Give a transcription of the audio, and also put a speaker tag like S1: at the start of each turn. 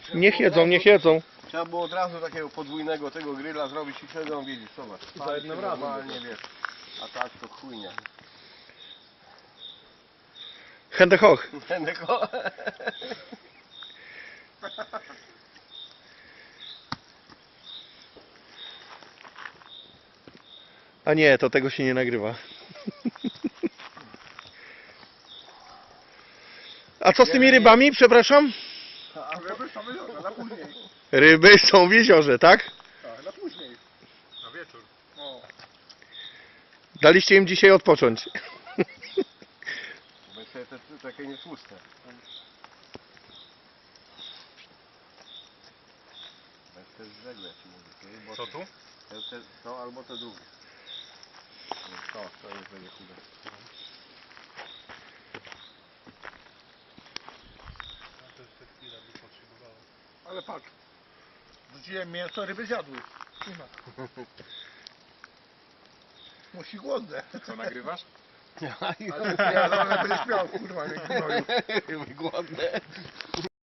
S1: Niech jedzą, niech jedzą.
S2: Trzeba było od razu takiego podwójnego tego grilla zrobić i wtedy on wiedzieć, zobacz.
S3: Za jednym razem.
S2: Normalnie wiesz. A tak to chujnia.
S1: Hände hoch.
S2: Tylko...
S1: A nie, to tego się nie nagrywa. A co z tymi rybami, przepraszam?
S3: A ryby są wyjdzione, na później.
S1: Ryby są w jeziorze, tak?
S3: Tak, na później.
S2: Na wieczór.
S3: No.
S1: Daliście im dzisiaj odpocząć.
S2: Bo sobie te takie nietłuste. To jest żegle, ci mówię. Bo
S3: Co tu?
S2: to albo to drugie. To jest będzie chude.
S3: Ale patrz. Wrzuciłem mięso, ryby zjadły. Nie ma. Musi głodne.
S2: Co nagrywasz?
S3: Ale ja będę śmiał, kurwa, nie gnoju.
S2: Głodne.